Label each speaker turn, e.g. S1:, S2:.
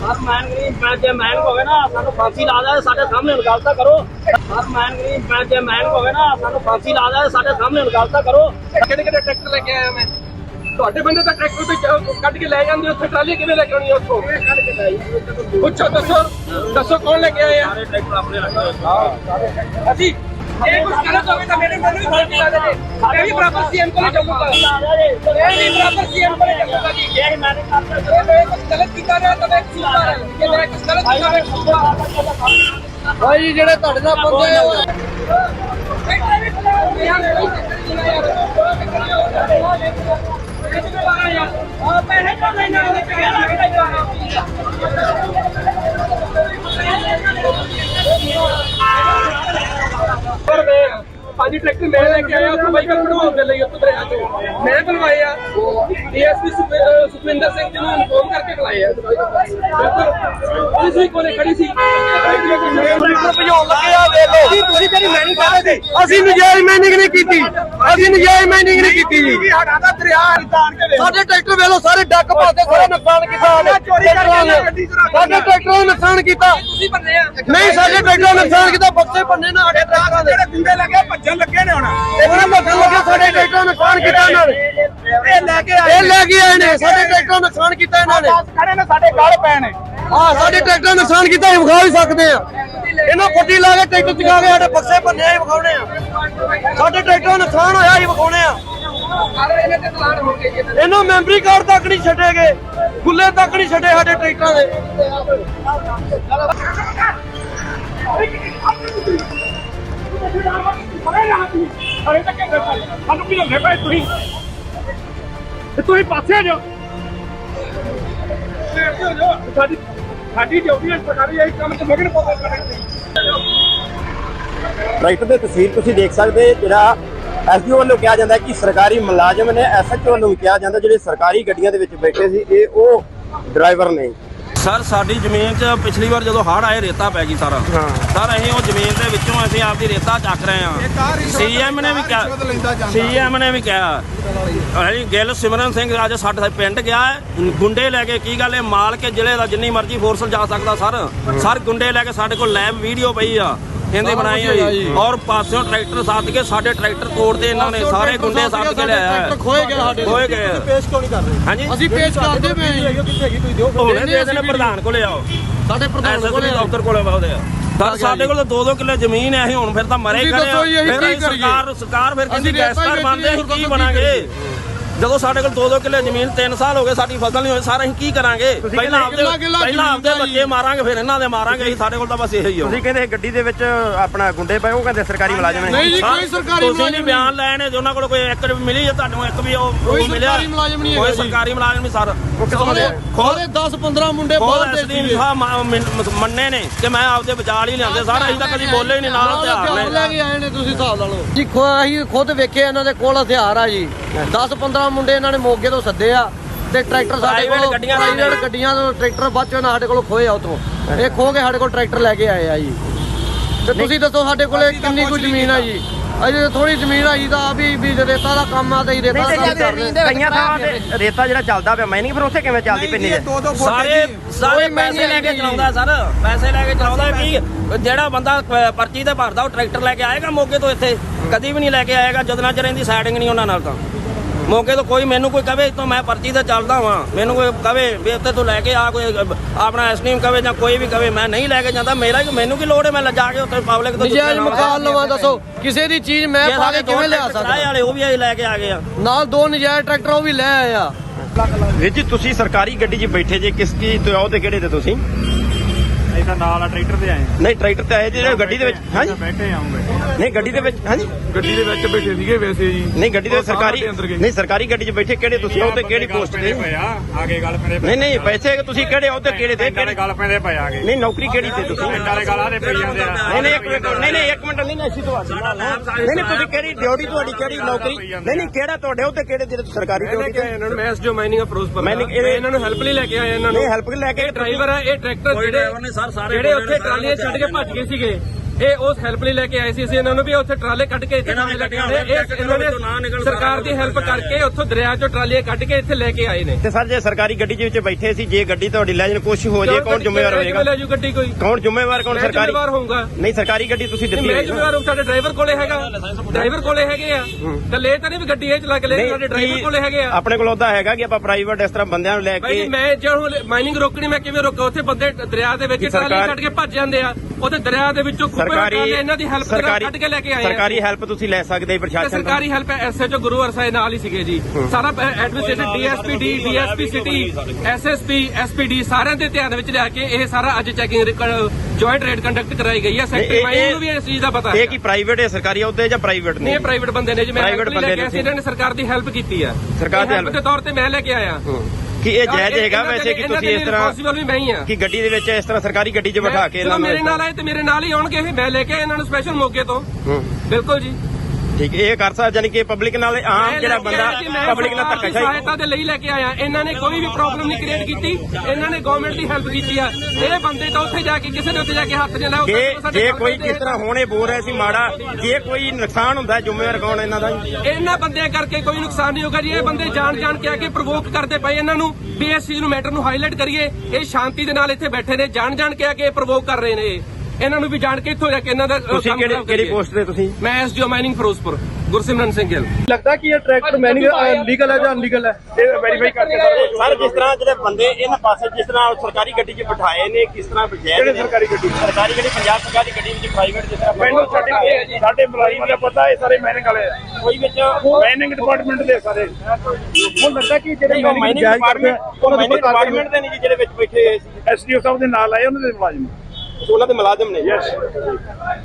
S1: ਮੈਂ ਜੇ ਮੈਨ ਹੋਵੇ ਨਾ ਸਾਨੂੰ ਫਾਂਸੀ ਲਾ ਦੇ ਸਾਡੇ ਸਾਹਮਣੇ ਹੁਣ ਗੱਲ ਤਾਂ ਕਰੋ। ਮੈਂ ਜੇ ਮੈਨ ਹੋਵੇ ਨਾ ਸਾਨੂੰ ਫਾਂਸੀ ਲਾ ਦੇ ਸਾਡੇ ਸਾਹਮਣੇ ਹੁਣ ਗੱਲ ਤਾਂ ਕਰੋ।
S2: ਕਿਹੜੇ ਕਿਹੜੇ ਟਰੈਕਟਰ ਲੈ ਕੇ ਆਇਆ ਮੈਂ ਤੁਹਾਡੇ ਬੰਦੇ ਤਾਂ ਟਰੈਕਟਰ ਤੇ ਕੱਢ ਕੇ ਲੈ ਜਾਂਦੇ ਉੱਥੇ ਟਰਾਲੀ ਕਿਵੇਂ ਲੈ ਕੇ ਆਉਣੀ ਉੱਥੋਂ ਪੁੱਛੋ ਦੱਸੋ ਕੌਣ ਲੈ ਕੇ ਆਇਆ
S1: ਸਾਰੇ ਟਰੈਕਟਰ ਆਪਣੇ ਰੱਖੇ ਹੋਏ
S2: ਅਸੀਂ ਇਹ ਕੁਝ ਗਲਤ ਹੋਵੇ ਤਾਂ ਮੇਰੇ ਮੈਨੂੰ ਵੀ ਫਾਂਸੀ ਲਾ ਦੇਵੇ ਇਹ ਵੀ ਬਰਾਬਰ ਸੀਐਮ ਕੋਲ ਜਾਊਗਾ ਇਹ ਵੀ ਬਰਾਬਰ ਸੀਐਮ ਕੋਲ ਜਾਊਗਾ ਜੀ
S1: ਇਹ ਮੈਂ ਨਹੀਂ ਕਰਦਾ
S2: ਇਹ ਕੁਝ ਗਲਤ ਕੀਤਾ ਰਿਹਾ ਤਾਂ ਮੈਂ ਕਸੂਰਵਾਰ ਹਾਂ ਜੇ ਮੈਂ ਕੁਝ ਗਲਤ ਕੀਤਾ ਮੈਂ ਕਸੂਰਵਾਰ
S3: ਭਾਈ ਜਿਹੜੇ ਤੁਹਾਡੇ ਨਾਲ ਬੰਦੇ
S2: ਪੰਜ ਟਰੈਕਟਰ ਮੈਂ ਲੈ ਕੇ ਆਇਆ ਉੱਥੇ ਬਾਈਕ ਕਢਵਾਉਣ ਦੇ ਲਈ ਉੱਥੇ ਦਰਿਆ ਤੋਂ ਮੈਂ ਬਣਵਾਏ ਆ ਡੀਐਸਪੀ ਸੁਖਵਿੰਦਰ ਸਿੰਘ ਜੀ ਨੂੰ ਇਨਫੋਰਮ ਕਰਕੇ ਬੁਲਾਏ ਆ ਪੁਲਿਸ ਵੀ ਕੋਲੇ ਖੜੀ ਸੀ
S3: ਟਰੈਕਟਰ ਭਜਾਉਣ ਲੱਗੇ ਆ ਵੇਖ ਲਓ
S2: ਤੁਸੀਂ ਤੇਰੀ ਮੈਨਿੰਗ ਕਰ ਰਹੇ ਸੀ
S3: ਅਸੀਂ ਨਜਾਇਜ਼ ਮਾਈਨਿੰਗ ਨਹੀਂ ਕੀਤੀ ਜੀ
S2: ਸਾਡਾ ਤਾਂ ਦਰਿਆ ਤਾਣ ਕੇ
S3: ਸਾਡੇ ਟਰੈਕਟਰ ਵੇਖ ਲਓ ਸਾਰੇ ਡੱਕ ਪਾਤੇ ਸਾਰਾ ਨੁਕਸਾਨ ਕੀਤਾ
S2: ਚੋਰੀ ਕਰਕੇ ਗੱਡੀ ਚ ਰੱਖ
S3: ਸਾਡੇ ਟਰੈਕਟਰਾਂ ਨੂੰ ਨੁਕਸਾਨ ਕੀਤਾ
S2: ਤੁਸੀਂ ਬੰਦੇ ਆ
S3: ਨਹੀਂ ਸਾਡੇ ਟਰੈਕਟਰਾਂ ਨੂੰ ਨੁਕਸਾਨ ਕੀਤਾ ਬਕਸੇ ਪੰਨੇ ਨਾ ਸਾਡੇ ਟਰੈਕਟਰਾਂ ਦੇ
S2: ਗੁੰਡੇ ਲੱਗੇ ਭੱਜਣ ਲੱਗੇ ਨੇ ਹੁਣ
S3: ਉਹਨਾਂ ਮੱਖਣ ਲੱਗੇ ਸਾਡੇ ਟਰੈਕਟਰਾਂ ਨੂੰ ਨੁਕਸਾਨ ਕੀਤਾ ਇਹਨਾਂ ਨੇ
S2: ਇਹ ਲੈ ਕੇ
S3: ਇਹ ਲੈ ਕੇ ਆਏ ਨੇ ਸਾਡੇ ਟਰੈਕਟਰਾਂ ਨੂੰ ਨੁਕਸਾਨ ਕੀਤਾ ਇਹਨਾਂ ਨੇ
S2: ਖੜੇ ਨੇ ਸਾਡੇ ਗਲ ਪੈਣੇ
S3: ਹਾਂ ਸਾਡੇ ਟਰੈਕਟਰਾਂ ਨੂੰ ਨੁਕਸਾਨ ਕੀਤਾ ਇਹ ਵਿਖਾ ਵੀ ਸਕਦੇ ਆ ਇਹਨਾਂ ਫੱਟੀ ਲਾ ਕੇ ਟਰੈਕਟਰ ਚਕਾ ਕੇ ਸਾਡੇ ਬਕਸੇ ਪੰਨੇ ਹੀ ਵਿਖਾਉਣੇ ਆ ਸਾਡੇ ਟਰੈਕਟਰਾਂ ਨੂੰ ਨੁਕਸਾਨ ਹੋਇਆ ਹੀ ਵਿਖਾਉਣੇ ਆ ਇਹਨਾਂ ਮੈਮਰੀ ਕਾਰਡ ਤੱਕ ਨਹੀਂ ਛੱਡੇਗੇ ਗੁੱਲੇ ਤੱਕ ਨਹੀਂ ਛੱਡੇ ਸਾਡੇ ਟਰੈਕਟਰਾਂ ਦੇ
S2: ਸਾਨੂੰ ਕੀ ਹੁੰਦੇ ਪਏ ਤੁਸੀਂ ਪਾਸੇ ਜਾਓ ਸਾਡੀ ਡਿਊਟੀ ਇਸ ਪ੍ਰਕਾਰ ਇਹ ਕੰਮ ਤੇ ਮਗਨ ਪਾਉਂਦੇ
S4: ਟਰੈਕਟਰ ਦੀ ਤਸਵੀਰ ਤੁਸੀਂ ਦੇਖ ਸਕਦੇ ਜਿਹੜਾ ਐਸਡੀਓ ਵੱਲੋਂ ਕਿਹਾ ਜਾਂਦਾ ਕਿ ਸਰਕਾਰੀ ਮੁਲਾਜ਼ਮ ਨੇ ਐਸਐਚਓ ਵੱਲੋਂ ਕਿਹਾ ਜਾਂਦਾ ਜਿਹੜੇ ਸਰਕਾਰੀ ਗੱਡੀਆਂ ਦੇ ਵਿੱਚ ਬੈਠੇ ਸੀ ਇਹ ਉਹ ਡਰਾਈਵਰ ਨੇ।
S1: ਸਰ ਸਾਡੀ ਜ਼ਮੀਨ 'ਚ ਪਿਛਲੀ ਵਾਰ ਜਦੋਂ ਹੜ੍ਹ ਆਏ ਰੇਤਾ ਪੈ ਗਈ ਸਾਰਾ ਸਰ ਅਸੀਂ ਉਹ ਜ਼ਮੀਨ ਦੇ ਵਿੱਚੋਂ ਅਸੀਂ ਆਪਦੀ ਰੇਤਾ ਚੱਕ ਰਹੇ ਹਾਂ। ਸੀਐਮ ਨੇ ਵੀ ਕਿਹਾ ਅਸੀਂ ਗਿੱਲ ਸਿਮਰਨ ਸਿੰਘ ਅੱਜ ਸਾਡੇ ਪਿੰਡ ਗਿਆ ਹੈ ਗੁੰਡੇ ਲੈ ਕੇ ਕੀ ਗੱਲ ਹੈ ਮਾਲ ਕੇ ਜ਼ਿਲ੍ਹੇ ਦਾ ਜਿੰਨੀ ਮਰਜ਼ੀ ਫੋਰਸ ਜਾ ਸਕਦਾ ਸਰ ਗੁੰਡੇ ਲੈ ਕੇ ਸਾਡੇ ਕੋਲ ਲੈਬ ਵੀਡੀਓ ਪਈ ਆ ਇਹਦੀ ਬਣਾਈ ਹੋਈ ਔਰ ਪਾਸਿਓਂ ਟਰੈਕਟਰ ਸੱਦ ਕੇ ਸਾਡੇ ਟਰੈਕਟਰ ਤੋੜਦੇ ਇਹਨਾਂ ਨੇ ਸਾਰੇ ਗੁੰਡੇ ਸੱਦ ਕੇ ਲਿਆਇਆ
S3: ਖੋਏ ਗਏ ਸਾਡੇ
S1: ਖੋਏ ਗਏ
S3: ਪੇਸ਼ ਕਿਉਂ ਨਹੀਂ ਕਰਦੇ
S1: ਹਾਂਜੀ
S3: ਅਸੀਂ ਪੇਸ਼ ਕਰਦੇ ਪਏ
S1: ਹੁਣੇ ਦੇ ਦੇਣੇ ਪ੍ਰਧਾਨ ਕੋਲੇ ਆਓ
S3: ਸਾਡੇ ਪ੍ਰਧਾਨ
S1: ਕੋਲੇ ਦਫ਼ਤਰ ਕੋਲੇ ਆਉਂਦੇ ਆ ਸਰ ਸਾਡੇ ਕੋਲ 2-2 ਕਿੱਲੇ ਜ਼ਮੀਨ ਹੈ ਅਸੀਂ ਹੁਣ ਫਿਰ ਤਾਂ ਮਰੇ ਖੜੇ ਆ ਫਿਰ ਸਰਕਾਰ ਫਿਰ ਕਹਿੰਦੀ ਗੈਸਟਰ ਬਣਦੇ ਅਸੀਂ ਕੀ ਬਣਾਂਗੇ ਜਦੋਂ ਸਾਡੇ ਕੋਲ 2-2 ਕਿੱਲੇ ਜ਼ਮੀਨ 3 ਸਾਲ ਹੋ ਗਏ ਸਾਡੀ ਫਸਲ ਨਹੀਂ ਹੋਈ ਸਾਰਾ ਅਸੀਂ ਕੀ ਕਰਾਂਗੇ ਪਹਿਲਾਂ ਆਪਦੇ ਬੱਚੇ ਮਾਰਾਂਗੇ ਫਿਰ ਇਹਨਾਂ ਦੇ ਮਾਰਾਂਗੇ ਅਸੀਂ ਸਾਡੇ ਕੋਲ ਤਾਂ ਬਸ ਇਹੀ ਆ
S4: ਤੁਸੀਂ ਕਹਿੰਦੇ ਗੱਡੀ ਦੇ ਵਿੱਚ ਆਪਣਾ ਗੁੰਡੇ ਪਏ ਉਹ ਕਹਿੰਦੇ ਸਰਕਾਰੀ ਮੁਲਾਜ਼ਮ ਨੇ
S3: ਨਹੀਂ ਜੀ ਕੋਈ ਸਰਕਾਰੀ
S1: ਤੁਸੀਂ ਨਹੀਂ ਬਿਆਨ ਲੈਣੇ ਉਹਨਾਂ ਕੋਲ ਕੋਈ ਇੱਕ ਮਿਲੀ ਜਾਂ ਤੁਹਾਨੂੰ ਇੱਕ ਵੀ ਉਹ ਮਿਲਿਆ ਕੋਈ ਸਰਕਾਰੀ ਮੁਲਾਜ਼ਮ ਨਹੀਂ ਸਰ
S3: ਖੋਲੇ 10-15 ਮੁੰਡੇ ਬਾਹਰ ਦੇ ਸੀ
S1: ਮੰਨੇ ਨੇ ਕਿ ਮੈਂ ਆਪਦੇ ਬਚਾ ਲਈ ਲਿਆਂਦੇ ਸਾਰਾ ਅਸੀਂ ਤਾਂ ਕਦੀ ਬੋਲੇ ਹੀ ਨਹੀਂ ਨਾਲ ਹਥਿਆਰ
S3: ਲੈ ਕੇ ਆਏ ਨੇ ਤੁਸੀਂ ਹਿਸਾਬ ਲਾ ਲਓ ਜੀ ਅਸੀਂ ਖੁਦ ਵੇਖੇ ਇਹਨਾਂ ਦੇ ਕੋਲ ਹਥਿਆਰ ਆ ਜੀ 10-15 ਮੁੰਡੇ ਇਹਨਾਂ ਨੇ ਮੋਗੇ ਤੋਂ ਸੱਦੇ ਆ ਤੇ ਟਰੈਕਟਰ ਸਾਡੇ ਕੋਲ ਪ੍ਰਾਈਵੇਟ ਗੱਡੀਆਂ ਤੋਂ ਟਰੈਕਟਰ ਬਾਅਦ ਚੋਂ ਸਾਡੇ ਕੋਲ ਖੋਏ ਆ ਉਤੋਂ ਇਹ ਖੋ ਕੇ ਸਾਡੇ ਕੋਲ ਟਰੈਕਟਰ ਲੈ ਕੇ ਆਏ ਆ ਜੀ ਤੇ ਤੁਸੀਂ ਦੱਸੋ ਸਾਡੇ ਕੋਲੇ ਕਿੰਨੀ ਕੁ ਜ਼ਮੀਨ ਆ ਜੀ ਅਜੇ ਥੋੜੀ ਜ਼ਮੀਨ ਆਈ ਤਾਂ ਵੀ ਰੇਤਾ ਦਾ ਕੰਮ ਆ ਤੇ ਰੇਤਾ ਦਾ
S4: ਕਈਆਂ ਥਾਵਾਂ ਤੇ ਰੇਤਾ ਜਿਹੜਾ ਚੱਲਦਾ ਪਿਆ ਮਾਈਨਿੰਗ ਫਿਰ ਉੱਥੇ ਕਿਵੇਂ ਚੱਲਦੀ ਪੈਂਦੀ ਹੈ
S1: ਸਾਰੇ ਪੈਸੇ ਲੈ ਕੇ ਚਲਾਉਂਦਾ ਸਰ ਪੈਸੇ ਲੈ ਕੇ ਚਲਾਉਂਦਾ ਕੀ ਜਿਹੜਾ ਬੰਦਾ ਪਰਚੀ ਤੇ ਭਰਦਾ ਉਹ ਟਰੈਕਟਰ ਲੈ ਕੇ ਆਏਗਾ ਮੋਗੇ ਤੋਂ ਇੱਥੇ ਕਦੀ ਵੀ ਨਹੀਂ ਲੈ ਕੇ ਆਏਗਾ ਜਦੋਂ ਚਿਰ ਇਹਦੀ ਸਾਈਡਿੰਗ ਨਹੀਂ ਉਹਨਾਂ ਨਾਲ ਤਾਂ ਮੌਕੇ ਤੋਂ ਕੋਈ ਮੈਨੂੰ ਕੋਈ ਕਵੇ ਤੋਂ ਮੈਂ ਪਰਚੀ ਤੇ ਚੱਲਦਾ ਵਾਂ ਮੈਨੂੰ ਕੋਈ ਕਵੇ ਵੀ ਉੱਥੇ ਤੋਂ ਲੈ ਕੇ ਆ ਕੋਈ ਆਪਣਾ ਐਸਟੀਮ ਕਵੇ ਜਾਂ ਕੋਈ ਵੀ ਕਵੇ ਮੈਂ ਨਹੀਂ ਲੈ ਕੇ ਜਾਂਦਾ ਮੈਨੂੰ ਕੀ ਲੋੜ ਹੈ ਮੈਂ ਜਾ ਕੇ ਉੱਥੇ ਪਬਲਿਕ ਤੋਂ
S3: ਨਜਾਇਜ਼ ਮਕਾਨ ਲਵਾਂ ਦੱਸੋ ਕਿਸੇ ਦੀ ਚੀਜ਼ ਮੈਂ ਪਾ ਕੇ ਕਿਵੇਂ ਲਿਆ ਸਕਦਾ
S1: ਵਾਲੇ ਉਹ ਵੀ ਲੈ ਕੇ ਆ ਗਏ ਆ
S3: ਨਾਲ 2 ਨਜਾਇਜ਼ ਟਰੈਕਟਰ ਉਹ ਵੀ ਲੈ ਆਏ ਆ
S4: ਵੀਰ ਜੀ ਤੁਸੀਂ ਸਰਕਾਰੀ ਗੱਡੀ 'ਚ ਬੈਠੇ ਜੇ ਕਿਸ ਚੀਜ਼ ਤੋਂ ਆਓ ਤੇ ਕਿਹੜੇ ਤੇ ਤੁਸੀਂ
S5: ਇਹਦਾ ਨਾਲ ਆ ਟਰੈਕਟਰ ਤੇ ਆਏ
S4: ਨਹੀਂ ਟਰੈਕਟਰ ਤੇ ਆਏ ਜਿਹੜੇ ਗੱਡੀ ਦੇ ਵਿੱਚ ਹਾਂਜੀ
S5: ਬੈਠੇ ਆਉਂਗੇ
S4: ਨਹੀਂ ਗੱਡੀ ਦੇ ਵਿੱਚ ਹਾਂਜੀ
S5: ਗੱਡੀ ਦੇ ਵਿੱਚ ਬੈਠੇ ਸੀਗੇ ਵੈਸੇ ਜੀ
S4: ਨਹੀਂ ਗੱਡੀ ਦੇ ਸਰਕਾਰੀ ਨਹੀਂ ਸਰਕਾਰੀ ਗੱਡੀ 'ਚ ਬੈਠੇ ਕਿਹੜੇ ਤੁਸੀਂ ਉਹ ਤੇ ਕਿਹੜੀ ਪੋਸਟ ਤੇ
S5: ਆਗੇ ਗੱਲ ਪੈਂਦੇ
S4: ਨਹੀਂ ਪੈਸੇ ਤੁਸੀਂ ਕਿਹੜੇ ਉਹ ਤੇ ਕਿਹੜੇ ਤੇ
S5: ਕਿਹੜੇ ਗੱਲ ਪੈਂਦੇ ਪਏ ਆਗੇ
S4: ਨਹੀਂ ਨੌਕਰੀ ਕਿਹੜੀ ਤੇ ਤੁਸੀਂ
S5: ਪਿੰਡਾਂ ਦੇ ਗਾਲਾਂ ਦੇ ਪਈ ਜਾਂਦੇ ਆ
S4: ਨਹੀਂ ਇੱਕ ਮਿੰਟ ਨਹੀਂ ਅਸੀਂ ਤੁਹਾਡਾ ਨਹੀਂ ਤੁਸੀਂ ਕਿਹੜੀ ਡਿਊਟੀ ਤੁਹਾਡੀ ਕਿਹੜੀ ਨੌਕਰੀ ਨਹੀਂ ਕਿਹੜਾ ਤੁਹਾਡੇ ਉਹ ਤੇ ਕਿਹੜੇ ਜਿਹੜੇ ਸਰਕਾਰੀ ਡਿਊਟੀ ਤੇ
S2: ਇਹਨਾਂ ਨੂੰ ਮੈਂ ਜੋ ਮਾਈਨਿੰਗ ਅਪਰੋਚ ਇਹਨਾਂ ਨੂੰ ਹੈਲਪ ਲਈ ਲੈ ਕੇ ਆਏ ਇਹਨਾਂ ਨੂੰ
S4: ਨਹੀਂ ਹੈਲਪ ਲੈ ਕੇ
S2: ਡਰਾਈਵਰ ਆ ਇਹ ਟਰੈਕਟਰ ਜਿਹੜੇ ਉੱਥੇ ਟਰਾਲੀਆਂ ਛੱਡ ਕੇ ਭੱਜ ਗਏ ਸੀਗੇ ਇਹ ਉਸ ਹੈਲਪ ਲਈ ਲੈ ਕੇ ਆਏ ਸੀ। ਅਸੀਂ ਇਹਨਾਂ ਨੂੰ ਵੀ ਉੱਥੇ ਟਰਾਲੇ ਕੱਢ ਕੇ ਇੱਥੇ
S1: ਇਹਨਾਂ ਨੇ ਗੱਡੀਆਂ
S2: ਇਹਨਾਂ ਨੇ ਸਰਕਾਰ ਦੀ ਹੈਲਪ ਕਰਕੇ ਉੱਥੋਂ ਦਰਿਆ ਚੋਂ ਟਰਾਲੀਆਂ ਕੱਢ ਕੇ ਇੱਥੇ ਲੈ ਕੇ ਆਏ ਨੇ।
S4: ਤੇ ਸਰ ਜੇ ਸਰਕਾਰੀ ਗੱਡੀ ਦੇ ਵਿੱਚ ਬੈਠੇ ਸੀ, ਜੇ ਗੱਡੀ ਤੁਹਾਡੀ ਲੈ ਜਾਣ ਕੁਛ ਹੋ ਜੇ ਕੌਣ ਜ਼ਿੰਮੇਵਾਰ ਹੋਏਗਾ?
S2: ਲੈ ਜੂ ਗੱਡੀ ਕੋਈ
S4: ਕੌਣ ਜ਼ਿੰਮੇਵਾਰ? ਕੌਣ ਸਰਕਾਰੀ
S2: ਜ਼ਿੰਮੇਵਾਰ ਹੋਊਗਾ?
S4: ਨਹੀਂ ਸਰਕਾਰੀ ਗੱਡੀ ਤੁਸੀਂ ਦਿੱਤੀ
S2: ਮੈਂ
S4: ਹੋਈ
S2: ਜ਼ਿੰਮੇਵਾਰ ਹਾਂ। ਸਾਡੇ ਡਰਾਈਵਰ ਕੋਲੇ ਹੈਗਾ, ਡਰਾਈਵਰ ਕੋਲੇ ਹੈਗੇ ਆ। ਤਾਂ ਲੈ ਤਾਂ ਨਹੀਂ ਵੀ ਗੱਡੀ ਇਹ ਚਲਾ ਕੇ ਲੈ, ਸਾਡੇ ਡਰਾਈਵਰ ਕੋਲੇ ਹੈਗੇ ਆ।
S4: ਆਪਣੇ ਕੋਲ ਉਹਦਾ ਹੈਗਾ ਕਿ ਆਪਾਂ ਪ੍ਰਾਈਵੇਟ ਇਸ ਤਰ੍ਹਾਂ ਬੰਦਿਆਂ ਨੂੰ ਲੈ
S2: ਭਾਈ
S4: ਕੇ
S2: ਮੈਂ ਜਦੋਂ ਮਾਈਨਿੰਗ ਰੋਕਣੀ ਮੈਂ ਕਿਵੇਂ ਰੋਕਾਂ? ਉੱਥੇ ਬੰਦੇ ਦਰਿਆ ਦੇ ਵਿੱਚ ਟਰਾਲੀ ਕੱਢ ਕੇ ਭੱਜ ਜਾਂਦੇ ਆ। ਉੱਥੇ ਦਰਿਆ ਦੇ ਵਿੱਚੋਂ ਖੁੱਪੇ ਟਰਾਲੇ ਇਹਨਾਂ ਦੀ ਹੈਲਪ ਕੱਢ ਕੇ ਲੈ ਕੇ ਆਏ ਆ।
S4: ਸਰਕਾਰੀ ਹੈਲਪ ਤੁਸੀਂ ਲੈ ਸਕਦੇ ਪ੍ਰਸ਼ਾਸਨ ਤੋਂ?
S2: ਸਰਕਾਰੀ ਹੈਲਪ ਐਸਐਚਓ ਗੁਰੂ ਅਰਸਾਏ ਨਾਲ ਹੀ ਸੀਗੇ ਜੀ। ਸਾਰਾ administration DSP city SSP SPD ਸਾਰਿਆਂ ਦੇ ਧਿਆਨ ਵਿੱਚ ਲਿਆ ਕੇ ਇਹ ਸਾਰਾ ਅੱਜ ਚੈਕਿੰਗ ਜੁਆਇੰਟ ਰੇਡ ਕੰਡਕਟ ਕਰਾਈ ਗਈ ਹੈ। ਸੈਕਟਰੀ ਮਾਈਨਿੰਗ ਨੂੰ ਵੀ ਇਸ ਚੀਜ਼ ਦਾ ਪਤਾ ਹੈ।
S4: ਇਹ ਕੀ ਪ੍ਰਾਈਵੇਟ ਹੈ ਸਰਕਾਰੀ ਅਹੁਦੇ ਜਾਂ ਪ੍ਰਾਈਵੇਟ
S2: ਨਹੀਂ,
S4: ਨੇ?
S2: ਇਹ ਪ੍ਰਾਈਵੇਟ ਬੰਦੇ ਨੇ ਜੀ। ਮੈਂ
S4: ਪ੍ਰਾਈਵੇਟ ਬੰਦੇ ਨੇ,
S2: ਇਹਨਾਂ ਨੇ ਸਰਕਾਰ ਦੀ ਹੈਲਪ ਕੀਤੀ ਆ।
S4: ਸਰਕਾਰ ਦੀ
S2: ਹੈਲਪ ਦੇ ਤੌਰ ਤੇ ਮੈਂ ਲੈ ਕੇ ਆਇਆ।
S4: ਕਿ ਇਹ ਜਾਇਜ਼ ਹੈਗਾ ਵੈਸੇ ਕਿ ਤੁਸੀਂ ਇਸ ਤਰ੍ਹਾਂ
S2: ਰਿਸਪੌਂਸਿਬਲ ਵੀ ਮੈਂ ਹੀ ਆ
S4: ਕਿ ਗੱਡੀ ਦੇ ਵਿੱਚ ਇਸ ਤਰ੍ਹਾਂ ਸਰਕਾਰੀ ਗੱਡੀ 'ਚ ਬਿਠਾ ਕੇ
S2: ਜਦੋਂ ਮੇਰੇ ਨਾਲ ਆਏ ਤੇ ਮੇਰੇ ਨਾਲ ਹੀ ਆਉਣਗੇ। ਇਹ ਮੈਂ ਲੈ ਕੇ ਇਹਨਾਂ ਨੂੰ ਸਪੈਸ਼ਲ ਮੌਕੇ ਤੋਂ। ਬਿਲਕੁਲ ਜੀ
S4: ਠੀਕ ਇਹ ਕਰ ਸਕਦਾ, ਜਾਨੀ ਕਿ ਪਬਲਿਕ ਨਾਲ ਆਮ ਜਿਹੜਾ ਬੰਦਾ ਪਬਲਿਕ ਨਾਲ ਧੱਕਾਸ਼ਾਹੀ
S2: ਸਹਾਇਤਾ ਦੇ ਲਈ ਲੈ ਕੇ ਆਇਆ। ਇਹਨਾਂ ਨੇ ਕੋਈ ਵੀ ਪ੍ਰੋਬਲਮ ਨਹੀਂ ਕ੍ਰੀਏਟ ਕੀਤੀ। ਇਹਨਾਂ ਨੇ ਗਵਰਨਮੈਂਟ ਦੀ ਹੈਲਪ ਕੀਤੀ ਆ। ਇਹ ਬੰਦੇ ਤਾਂ ਉੱਥੇ ਜਾ ਕੇ ਕਿਸੇ ਦੇ ਉੱਤੇ ਜਾ ਕੇ ਹੱਥ ਨਹੀਂ ਲਾਇਆ।
S4: ਜੇ ਕੋਈ ਕਿਸ ਤਰ੍ਹਾਂ ਹੋਣੇ ਬੋਲ ਰਿਹਾ ਸੀ ਮਾੜਾ, ਜੇ ਕੋਈ ਨੁਕਸਾਨ ਹੁੰਦਾ ਜ਼ਿੰਮੇਵਾਰ ਕੌਣ ਇਹਨਾਂ ਦਾ?
S2: ਇਹਨਾਂ ਬੰਦਿਆਂ ਕਰਕੇ ਕੋਈ ਨੁਕਸਾਨ ਨਹੀਂ ਹੋਗਾ ਜੀ। ਇਹ ਬੰਦੇ ਜਾਣ ਕੇ ਆ ਕੇ ਪ੍ਰਵੋਕ ਕਰਦੇ ਪਏ ਇਹਨਾਂ ਨੂੰ ਵੀ ਇਸ ਚੀਜ਼ ਨੂੰ ਮੈਟਰ ਨੂੰ ਹਾਈਲਾਈਟ ਕਰੀਏ। ਇਹ ਸ਼ਾਂਤੀ ਦੇ ਨਾਲ ਇੱਥੇ ਬੈਠੇ ਨੇ, ਜਾਣ ਕੇ ਆ ਕੇ ਪ੍ਰਵੋਕ ਕਰ ਰਹੇ ਨੇ। ਇਹਨਾਂ ਨੂੰ ਵੀ ਜਾਣ ਕੇ ਇੱਥੋਂ ਜਾ ਕੇ ਇਹਨਾਂ ਦਾ
S4: ਤੁਸੀਂ ਕਿਹੜੀ ਪੋਸਟ ਤੇ? ਤੁਸੀਂ?
S2: ਮੈਂ ਐਸਡੀਓ ਮਾਈਨਿੰਗ ਫਿਰੋਜ਼ਪੁਰ ਗੁਰਸਿਮਰਨ ਸਿੰਘ ਗਿੱਲ।
S6: ਲੱਗਦਾ ਕਿ ਇਹ ਟਰੈਕਟਰ ਮੈਨਿੰਗ ਲੀਗਲ ਹੈ ਜਾਂ ਅਨਲੀਗਲ ਹੈ? ਇਹ ਵੈਰੀਫਾਈ ਕਰਕੇ
S4: ਸਰ ਜਿਸ ਤਰ੍ਹਾਂ ਜਿਹੜੇ ਬੰਦੇ ਇਹਨਾਂ ਪਾਸੇ ਜਿਸ ਤਰ੍ਹਾਂ ਸਰਕਾਰੀ ਗੱਡੀ 'ਚ ਬਿਠਾਏ ਨੇ, ਕਿਸ ਤਰ੍ਹਾਂ ਬਜਾਏ ਨੇ?
S6: ਸਰਕਾਰੀ ਗੱਡੀ
S4: ਸਰਕਾਰੀ ਗੱਡੀ ਪੰਜਾਬ ਸਰਕਾਰੀ ਗੱਡੀ ਵਿੱਚ ਪ੍ਰਾਈਵੇਟ ਜਿਸ ਤਰ੍ਹਾਂ
S6: ਮੈਨੂੰ ਸਾਡੇ ਮੁਲਾਜ਼ਮਾਂ ਦਾ ਪਤਾ ਇਹ ਸਾਰੇ ਮੈਨਿੰਗ ਵਾਲੇ ਆ।
S4: ਕੋਈ ਵਿੱਚ
S6: ਮੈਨਿੰਗ ਡਿਪਾਰਟਮੈਂਟ ਦੇ ਸਾਰੇ ਹੁਣ ਲੱਗਦਾ ਕਿ ਜਿਹੜੇ
S4: ਮਾਈਨਿੰਗ ਡਿਪਾਰਟਮੈਂਟ ਦੇ ਨਹੀਂ ਜਿਹੜੇ ਵਿੱਚ ਬੈਠੇ ਹੋਏ ਸੀ,
S6: ਐਸਡੀਓ ਸਾਹਿਬ ਦੇ ਨਾਲ ਆਏ ਉਹਨਾਂ ਦੇ ਮੁਲਾਜ਼ਮ
S4: ਉਹਨਾਂ ਦੇ ਮੁਲਾਜ਼ਮ ਨੇ।